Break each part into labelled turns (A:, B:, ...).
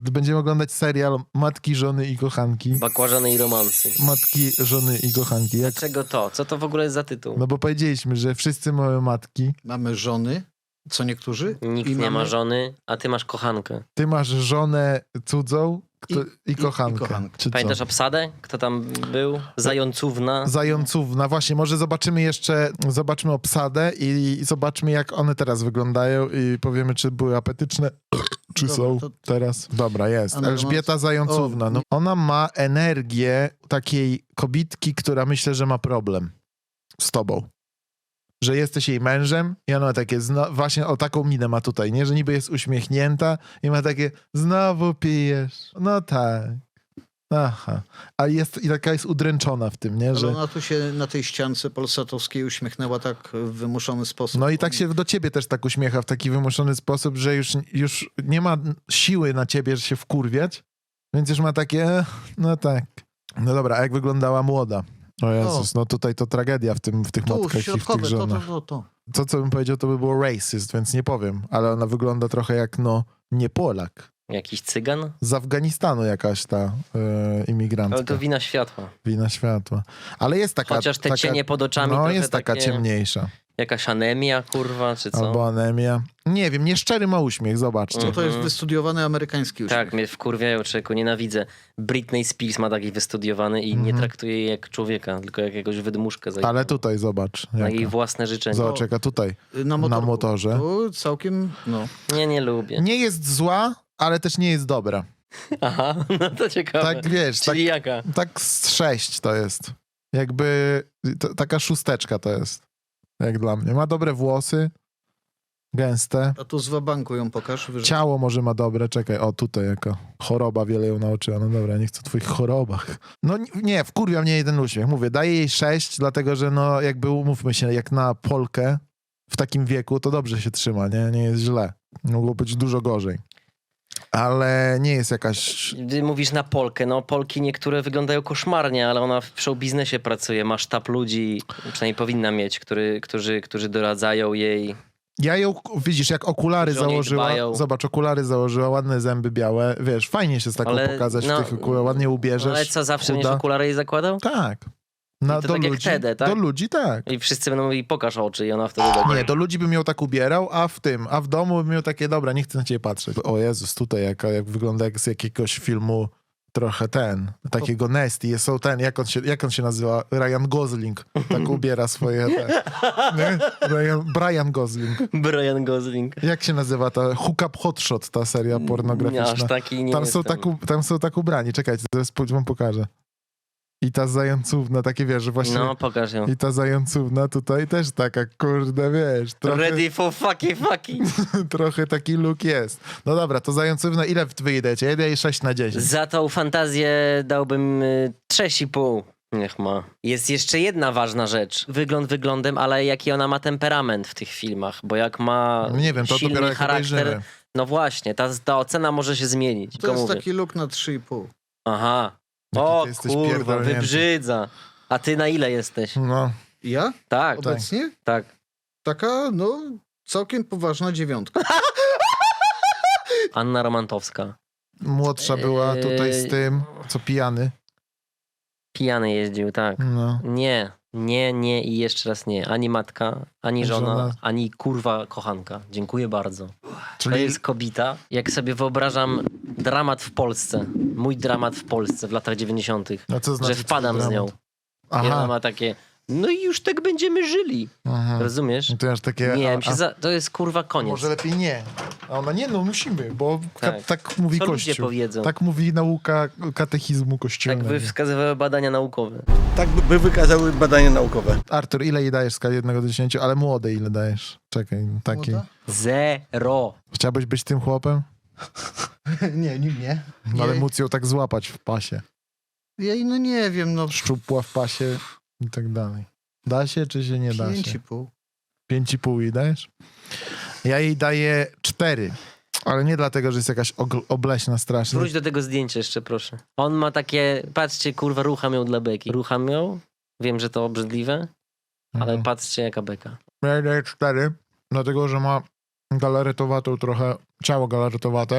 A: będziemy oglądać serial Matki, Żony i Kochanki.
B: Bakłażany i romansy.
A: Matki, Żony i Kochanki.
B: Dlaczego to? Co to w ogóle jest za tytuł?
A: No bo powiedzieliśmy, że wszyscy mamy matki.
C: Mamy żony, co niektórzy.
B: Nikt
C: i
B: nie ma
C: mamy...
B: żony, a ty masz kochankę.
A: Ty masz żonę cudzą i kochankę. Czy co?
B: Pamiętasz obsadę? Kto tam był? Zającówna.
A: Zającówna. Właśnie, może zobaczymy obsadę i zobaczmy, jak one teraz wyglądają i powiemy, czy były apetyczne, czy
C: Dobra,
A: są
C: to-
A: teraz. Dobra, jest.
C: Anna
A: Elżbieta
C: Romanc-
A: Zającówna.
C: O,
A: No, ona ma energię takiej kobitki, która myślę, że ma problem z tobą. Że jesteś jej mężem i ona takie, właśnie o taką minę ma tutaj, nie? Że niby jest uśmiechnięta i ma takie, znowu pijesz. No tak. Aha. A jest i taka jest udręczona w tym, nie?
C: Ale
A: Że...
C: ona tu się na tej ściance polsatowskiej uśmiechnęła tak w wymuszony sposób.
A: No i tak się do ciebie też tak uśmiecha w taki wymuszony sposób, że już nie ma siły na ciebie, że się wkurwiać, więc już ma takie, no tak. No dobra, a jak wyglądała młoda? O Jezus, no tutaj to tragedia w tych
C: Tu,
A: matkach i w tych
C: środkowe,
A: żonach.
C: to.
A: To, co bym powiedział, to by było racist, więc nie powiem, ale ona wygląda trochę jak, no, nie Polak.
B: Jakiś cygan?
A: Z Afganistanu jakaś ta imigrantka.
B: Ale to wina światła.
A: Wina światła. Ale jest taka...
B: Chociaż te
A: taka,
B: cienie pod oczami
A: no
B: trochę
A: jest taka
B: takie...
A: ciemniejsza.
B: Jakaś anemia, kurwa, czy co?
A: Albo anemia. Nie wiem, nieszczery ma uśmiech, zobaczcie.
C: No to jest wystudiowany amerykański uśmiech.
B: Tak, mnie wkurwiają, człowieku, nienawidzę. Britney Spears ma taki wystudiowany i nie traktuje jej jak człowieka, tylko jak jakąś wydmuszkę.
A: Ale tutaj zobacz.
B: Na
A: Jaka.
B: jej własne życzenia.
A: Zobacz, jaka tutaj.
C: Na
A: motorze.
C: Tu całkiem, no.
B: Nie lubię.
A: Nie jest zła, ale też nie jest dobra.
B: Aha, no to ciekawe.
A: Tak, wiesz,
B: Czyli jaka?
A: tak z 6 to jest. Jakby taka szósteczka to jest. Jak dla mnie. Ma dobre włosy. Gęste.
C: A tu z wabanku ją pokaż.
A: Ciało może ma dobre. Czekaj, o tutaj jaka choroba wiele ją nauczyła. No dobra, nie chcę o twoich chorobach. No nie, wkurwia mnie jeden uśmiech. Mówię, daję jej 6, dlatego że no jakby umówmy się, jak na Polkę w takim wieku, to dobrze się trzyma, nie jest źle. Mogło być dużo gorzej. Ale nie jest jakaś...
B: Ty mówisz na Polkę. No Polki niektóre wyglądają koszmarnie, ale ona w show biznesie pracuje. Ma sztab ludzi, przynajmniej powinna mieć, którzy doradzają jej.
A: Ja ją, widzisz, jak okulary
B: Że o niej
A: założyła,
B: dbają.
A: zobacz, okulary założyła, ładne zęby białe, wiesz, fajnie się z taką
B: Ale,
A: pokazać
B: no,
A: w tych okularach, ładnie ubierzesz.
B: Ale co, zawsze będziesz
A: chuda.
B: okulary jej zakładał?
A: Tak.
B: I to tak jak Tedę, tak?
A: Do ludzi tak.
B: I wszyscy będą mówili, pokaż oczy i ona wtedy będzie.
A: Nie, do ludzi bym ją tak ubierał, a w domu bym miał takie, dobra, nie chcę na ciebie patrzeć. O Jezus, tutaj jak wygląda jak z jakiegoś filmu trochę takiego Nesty. Są jak on się nazywa? Ryan Gosling. Tak ubiera swoje nie? Brian Gosling.
B: Brian Gosling.
A: Jak się nazywa ta Hook Up Hotshot, ta seria pornograficzna?
B: Aż taki nie
A: Tam
B: jestem.
A: tam są tak ubrani. Czekajcie, zaraz wam pokażę. I ta zającówna, takie wiesz, że właśnie...
B: No, pokaż ją.
A: I ta zającówna tutaj też taka, kurde, wiesz... Trochę,
B: Ready for fucking.
A: trochę taki look jest. No dobra, to zającówna, ile wy jej dajecie? Ja daję 6 na 10.
B: Za tą fantazję dałbym 6,5. Niech ma. Jest jeszcze jedna ważna rzecz. Wygląd wyglądem, ale jaki ona ma temperament w tych filmach. Bo jak ma
A: Nie wiem, to
B: silny
A: dopiero jak
B: charakter...
A: obejrzymy.
B: No właśnie, ta ocena może się zmienić.
C: To
B: tylko
C: jest
B: mówię.
C: taki look na 3,5.
B: Aha.
A: Jaki
B: O
A: ty jesteś
B: kurwa,
A: pierdolnięty.
B: wybrzydza. A ty na ile jesteś?
A: No,
C: Ja?
B: Tak,
C: Obecnie?
B: tak.
C: Taka, no, całkiem poważna 9.
B: Anna Romantowska.
A: młodsza była tutaj z tym, co pijany.
B: Pijany jeździł, tak.
A: No.
B: Nie i jeszcze raz nie. Ani matka, ani żona,
A: Żona.
B: ani kurwa kochanka. Dziękuję bardzo. To
A: Czyli
B: jest kobita. Jak sobie wyobrażam dramat w Polsce, mój dramat w Polsce w latach 90.,
A: no co znaczy
B: że wpadam
A: twój
B: z nią.
A: dramat?
B: I ona
A: Aha.
B: ma takie, no i już tak będziemy żyli.
A: Aha.
B: Rozumiesz?
A: I to aż takie...
B: Nie, to jest kurwa koniec.
A: Może lepiej nie. A ona nie, no musimy, bo
B: Tak.
A: tak mówi
B: Co ludzie
A: Kościół.
B: powiedzą?
A: Tak mówi nauka katechizmu
B: Tak
A: kościelnego.
B: by wskazywały badania naukowe.
D: Tak by wykazały badania naukowe.
A: Artur, ile jej dajesz w skali 1 do 10, ale młodej ile dajesz? Czekaj, takiej.
C: Młoda?
B: 0.
A: Chciałbyś być tym chłopem?
C: Nie.
A: No, ale móc ją tak złapać w pasie.
C: Ja no nie wiem, no
A: Szczupła w pasie i tak dalej. Da się, czy się nie da się?
C: 5,5.
A: 5,5 jej dajesz? Ja jej daję 4. Ale nie dlatego, że jest jakaś obleśna strasznie.
B: Wróć do tego zdjęcia jeszcze, proszę. On ma takie, patrzcie, kurwa, rucham ją dla beki. Rucham ją, wiem, że to obrzydliwe, ale
A: Mhm.
B: patrzcie, jaka beka.
A: Ja jej daję 4, dlatego, że ma galaretowatą trochę, ciało galaretowate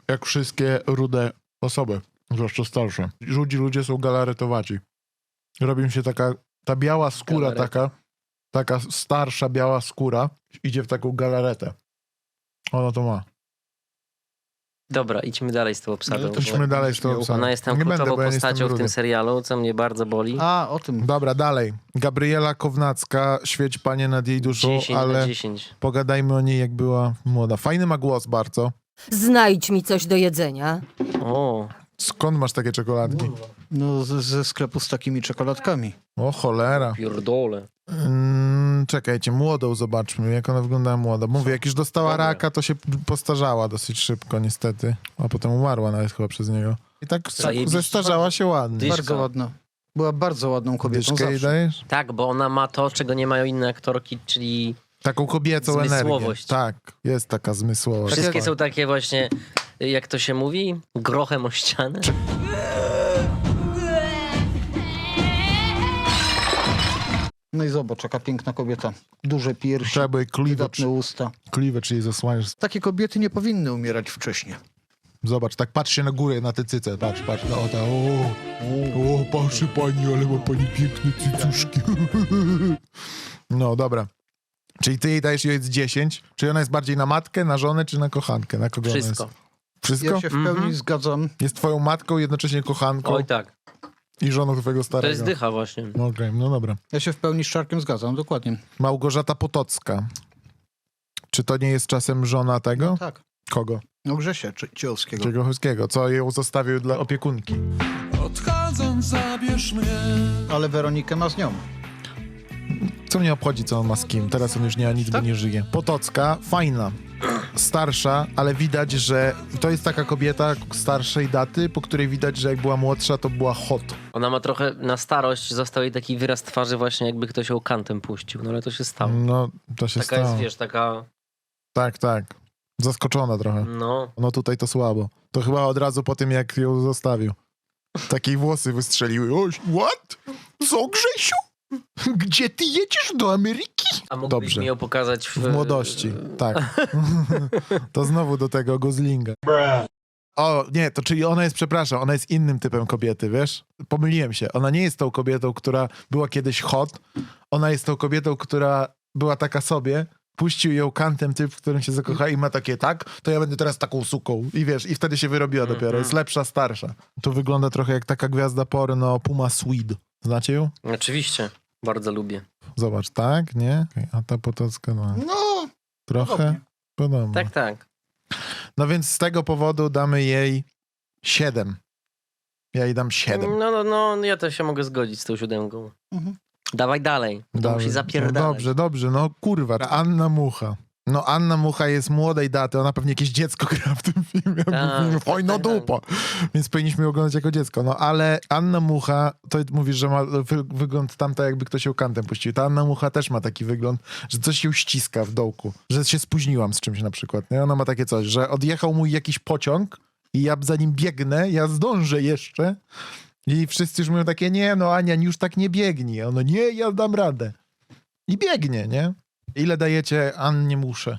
A: jak wszystkie rude osoby, zwłaszcza starsze. Rudzi ludzie są galaretowaci. Robi się ta biała skóra taka starsza biała skóra idzie w taką galaretę. Ona to ma.
B: Dobra, idźmy dalej z tą obsadą.
C: to
A: Idźmy dalej z tą obsadą.
B: Ona jest tam
A: Nie będę,
B: kluczową
A: bo ja nie jestem
B: postacią w
A: rudy.
B: tym serialu, co mnie bardzo boli.
C: A, o tym.
A: Dobra, dalej. Gabriela Kownacka, świeć Panie nad jej duszą,
B: 10 na
A: ale
B: 10.
A: pogadajmy o niej, jak była młoda. Fajny ma głos bardzo.
E: Znajdź mi coś do jedzenia.
B: O,
A: Skąd masz takie czekoladki?
C: No, ze sklepu z takimi czekoladkami.
A: O cholera.
B: pierdole.
A: Czekajcie, młodą zobaczmy, jak ona wyglądała młoda. Mówię, jak już dostała
B: Dobra.
A: raka, to się postarzała dosyć szybko niestety. A potem umarła nawet chyba przez niego. I tak
B: Zajebiście.
A: zestarzała się ładnie.
B: Dyszka.
C: Bardzo ładna. Była bardzo ładną kobietą
A: Dyszkę jej
C: zawsze.
A: dajesz?
B: Tak, bo ona ma to, czego nie mają inne aktorki, czyli
A: Taką kobiecą energię.
B: Zmysłowość.
A: Tak, jest taka zmysłowa.
B: wszystkie są takie właśnie, jak to się mówi, grochem o ścianę.
C: No i zobacz, jaka piękna kobieta. Duże piersi,
A: Trzeba by
C: wydatne usta.
A: kliwę, czyli zasłaniasz.
C: Takie kobiety nie powinny umierać wcześnie.
A: Zobacz, tak patrz się na górę, na te cyce. Patrz, no o ta, o, patrzy pani, ale ma pani piękne cycuszki. No, dobra. Czyli ty jej dajesz jej 10. Czy ona jest bardziej na matkę, na żonę, czy na kochankę? Na kogo
B: Wszystko.
A: ona jest? Wszystko?
C: Ja się w pełni zgadzam.
A: Jest twoją matką, jednocześnie kochanką
B: Oj tak,
A: i żoną twojego
B: to
A: starego.
B: jest dycha właśnie.
A: No okej, no dobra.
C: Ja się w pełni z Czarkiem zgadzam, dokładnie.
A: Małgorzata Potocka. Czy to nie jest czasem żona tego?
C: Tak.
A: Kogo?
C: No Grzesia Ciechowskiego.
A: Czegochowskiego, co ją zostawił dla opiekunki.
F: Odchodząc zabierz mnie.
C: Ale Weronikę ma z nią.
A: Co mnie obchodzi, co on ma z kim? Teraz on już nie ma nic, bo nie żyje. Potocka, fajna. Starsza, ale widać, że to jest taka kobieta starszej daty, po której widać, że jak była młodsza, to była hot.
B: Ona ma trochę, na starość został jej taki wyraz twarzy właśnie, jakby ktoś ją kantem puścił, no ale to się stało.
A: No, to się
B: Taka
A: stało.
B: jest, wiesz, taka,
A: Tak, tak. Zaskoczona trochę.
B: no,
A: No tutaj to słabo. To chyba od razu po tym, jak ją zostawił. Takiej włosy wystrzeliły. O, what? Co, Grzesiu? Gdzie ty jedziesz? Do Ameryki?
B: a mógłbyś
A: Dobrze.
B: mi ją pokazać
A: W młodości, tak. To znowu do tego Goslinga. O, nie, to czyli ona jest, przepraszam, ona jest innym typem kobiety, wiesz? Pomyliłem się. Ona nie jest tą kobietą, która była kiedyś hot. Ona jest tą kobietą, która była taka sobie. Puścił ją kantem typ, w którym się zakocha i ma takie, tak? To ja będę teraz taką suką. I wiesz, i wtedy się wyrobiła dopiero. Jest lepsza, starsza. To wygląda trochę jak taka gwiazda porno Puma Swede. Znacie ją?
B: Oczywiście, bardzo lubię.
A: Zobacz, tak? Nie? Okej, a ta Potocka, no.
C: No,
A: Trochę
C: podobnie.
A: podobno.
B: Tak, tak.
A: No więc z tego powodu damy jej 7. Ja jej dam 7.
B: No, ja też się mogę zgodzić z tą 7.
C: Mhm.
B: Dawaj dalej, to
A: Dawaj.
B: musi
A: No
B: zapierdalać.
A: dobrze, no kurwa. Anna Mucha. No Anna Mucha jest młodej daty, ona pewnie jakieś dziecko gra w tym filmie. Fajna
B: tak.
A: dupa. Więc powinniśmy ją oglądać jako dziecko. No ale Anna Mucha, to mówisz, że ma wygląd tamta, jakby ktoś ją kantem puścił. Ta Anna Mucha też ma taki wygląd, że coś ją ściska w dołku. Że się spóźniłam z czymś na przykład. Nie? Ona ma takie coś, że odjechał mój jakiś pociąg i ja za nim biegnę, ja zdążę jeszcze. I wszyscy już mówią takie, nie no Ania, już tak nie biegnij. A ono, nie, ja dam radę. I biegnie, nie? Ile dajecie Annie Musze?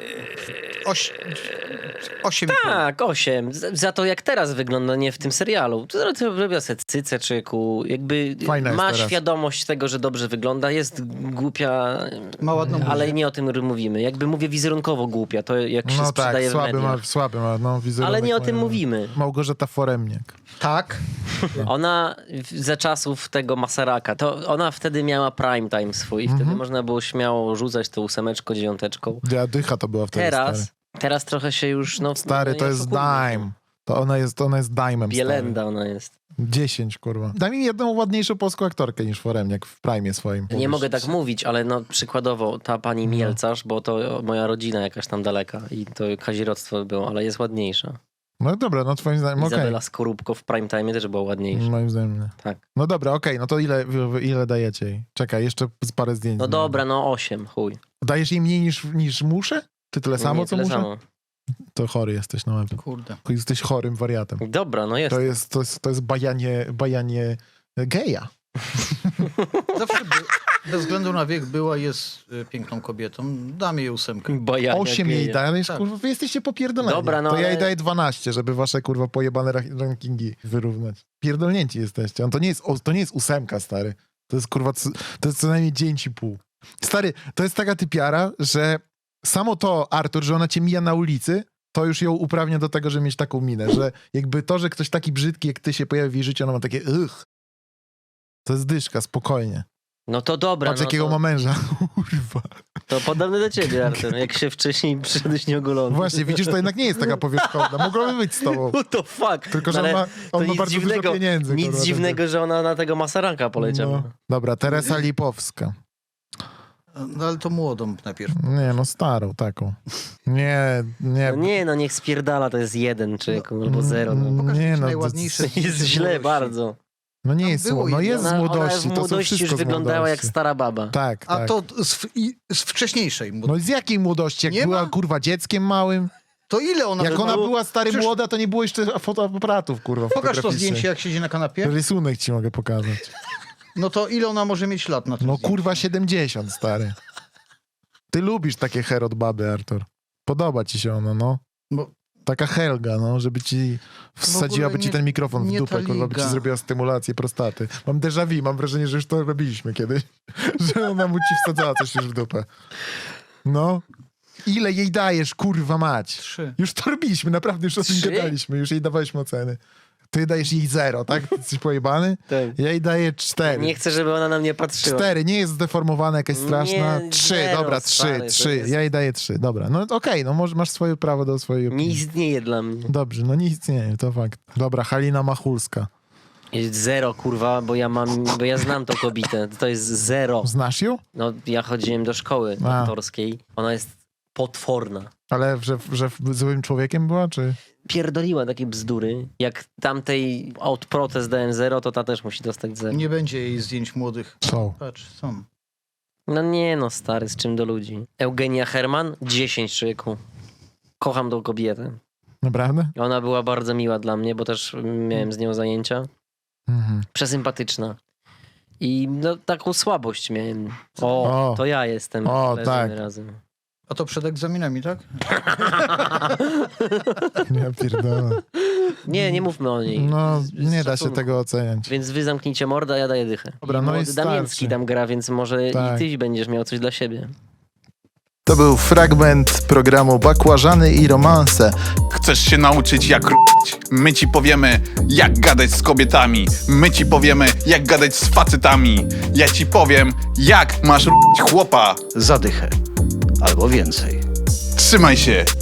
C: 8.
B: Tak, 8. Za to jak teraz wygląda, nie w tym serialu. To robiła se cycę, czyku. Jakby
A: Fajna jest
B: ma
A: teraz.
B: świadomość tego, że dobrze wygląda. Jest głupia,
C: Ma ładną
B: ale
C: buzię.
B: nie o tym mówimy. Jakby mówię wizerunkowo głupia, to jak się
A: No tak,
B: sprzedaje w mediach.
A: słaby ma, no wizerunek.
B: Ale nie o
A: ma-
B: tym mówimy.
A: Małgorzata Foremniak.
C: Tak.
B: Ona za czasów tego Masaraka, to ona wtedy miała prime time swój.
A: Mhm.
B: Wtedy można było śmiało rzucać tą 8, 9.
A: Dycha to była wtedy,
B: Teraz trochę się już... No,
A: Stary, to
B: nie
A: jest
B: oszukujmy się.
A: dime. To ona jest dime'em,
B: Bielenda ona jest.
A: stary. 10, kurwa. Daj mi jedną ładniejszą polską aktorkę niż Foremniak w prime swoim.
B: Nie mogę tak mówić, ale no przykładowo ta pani Mielcarz, bo to moja rodzina jakaś tam daleka i to kazirodztwo było, ale jest ładniejsza.
A: No dobra, no twoim zdaniem, okej.
B: Izabela Skorupko w prime time też była ładniejsza.
A: Moim zdaniem nie.
B: Tak.
A: No dobra, okej, no to ile dajecie jej? Czekaj, jeszcze z parę zdjęć.
B: No dobra, no 8, chuj.
A: Dajesz jej mniej niż muszę? Ty tyle samo,
B: Nie,
A: co
B: tyle
A: muszę?
B: samo.
A: To chory jesteś, no.
C: Kurde.
A: Jesteś chorym wariatem.
B: Dobra, no jest.
A: To jest bajanie geja.
C: Bez względu na wiek była, jest piękną kobietą. Dam jej 8.
B: Bo ja
A: 8 jej dajesz,
C: Tak.
A: kurwa, wy jesteście popierdoleni.
B: Dobra, no
A: to ja jej
B: ale-
A: daję 12, żeby wasze, kurwa, pojebane rankingi wyrównać. Pierdolnięci jesteście. To nie jest 8, stary. To jest, kurwa, to jest co najmniej 9,5. Stary, to jest taka typiara, że samo to, Artur, że ona cię mija na ulicy, to już ją uprawnia do tego, żeby mieć taką minę, że jakby to, że ktoś taki brzydki jak ty się pojawi w jej życiu, ona ma takie To jest dyszka, spokojnie.
B: No to dobra,
A: Patrz,
B: no
A: jakiego
B: to,
A: ma męża. Kurwa.
B: to podobne do ciebie, Artur. Jak się wcześniej przyszedłeś nieogolony.
A: Właśnie, widzisz, to jednak nie jest taka powierzchowna. Mogłaby być z tobą.
B: What the fuck?
A: Tylko, że
B: Ale
A: on
B: to
A: ma
B: nic
A: bardzo
B: dziwnego,
A: dużo pieniędzy.
B: Nic
A: kurwa,
B: dziwnego, że ona na tego Masaranka poleciała.
A: No. Dobra, Teresa Lipowska.
C: No ale to młodą najpierw.
A: Nie, no starą taką. Nie.
B: No nie, no niech spierdala, to jest 1 czy albo 0. No.
C: Pokaż
A: Nie,
C: jakieś
A: no,
C: najładniejsze
B: Jest
C: zdjęcie
B: źle
C: młodości.
B: bardzo.
A: No nie
C: Tam
A: jest,
C: było
A: no
C: i-
A: jest z
B: Ona w
A: młodości, to są
B: młodości już
A: wszystko z
B: wyglądała jak
A: młodości.
B: stara baba.
A: Tak,
C: A
A: tak.
C: to z wcześniejszej młodości.
A: No z jakiej młodości? Jak
C: Nie
A: była,
C: ma?
A: kurwa, dzieckiem małym?
C: To ile ona
A: Jak ona
C: było-
A: była stary
C: Przecież-
A: młoda, to nie było jeszcze fotoaparatów, kurwa,
C: Pokaż to
A: fotograficznych.
C: zdjęcie, jak siedzi na kanapie.
A: Rysunek ci mogę pokazać.
C: No to ile ona może mieć lat na tym
A: No
C: zdjęciu?
A: kurwa 70, stary. Ty lubisz takie herod baby, Artur. Podoba ci się ona, no.
C: Bo
A: Taka Helga, no, żeby ci wsadziłaby ci
C: nie-
A: ten mikrofon w
C: nie
A: dupę,
C: ta
A: kurwa, by ci
C: liga.
A: zrobiła stymulację prostaty. Mam déjà vu, mam wrażenie, że już to robiliśmy kiedyś. Że ona mu ci wsadzała coś już w dupę. No. Ile jej dajesz, kurwa mać?
C: 3.
A: Już to robiliśmy, naprawdę już o tym
B: 3?
A: gadaliśmy, już jej dawaliśmy oceny. Ty dajesz jej 0, tak? Ty jesteś pojebany?
B: Tak.
A: Ja jej daję 4.
B: Nie chcę, żeby ona na mnie patrzyła.
A: 4, nie jest zdeformowana, jakaś straszna.
B: Nie,
A: 3,
B: zero,
A: dobra, 3,
B: stary, to
A: 3.
B: jest-
A: Ja jej daję 3, dobra. No okej, no masz swoje prawo do swojej
B: Nie
A: opinii.
B: istnieje dla mnie.
A: Dobrze, no nie istnieje, to fakt. Dobra, Halina Machulska.
B: Jest 0, kurwa, bo ja znam tą kobietę. To jest 0.
A: Znasz ją?
B: No, ja chodziłem do szkoły
A: A.
B: aktorskiej. Ona jest potworna.
A: Ale że złym człowiekiem była, czy?
B: Pierdoliła takie bzdury. Jak tamtej od protest dałem 0, to ta też musi dostać 0.
C: Nie będzie jej zdjęć młodych.
A: Są.
C: Patrz, są.
B: No nie no, stary, z czym do ludzi. Eugenia Herman, 10 człowieku. Kocham tą kobietę.
A: Naprawdę?
B: Ona była bardzo miła dla mnie, bo też miałem z nią zajęcia.
A: Mhm.
B: Przesympatyczna. I no taką słabość miałem. O,
A: O.
B: to ja jestem.
A: O,
B: Leżymy
A: tak.
B: razem.
C: A to przed egzaminami, tak?
A: Ja pierdolę.
B: Nie mówmy o niej.
A: No,
B: Z
A: nie da się
B: szacunku.
A: tego oceniać.
B: Więc wy zamknijcie mordę, a ja daję dychę.
A: Dobra,
B: I
A: no i
B: młody Damiński
A: starczy.
B: tam gra, więc może
A: Tak.
B: i ty będziesz miał coś dla siebie.
A: To był fragment programu Bakłażany i romanse.
G: Chcesz się nauczyć jak r***ć? My ci powiemy jak gadać z kobietami. My ci powiemy jak gadać z facetami. Ja ci powiem jak masz r***ć chłopa.
C: Zadychę. Albo więcej.
G: Trzymaj się.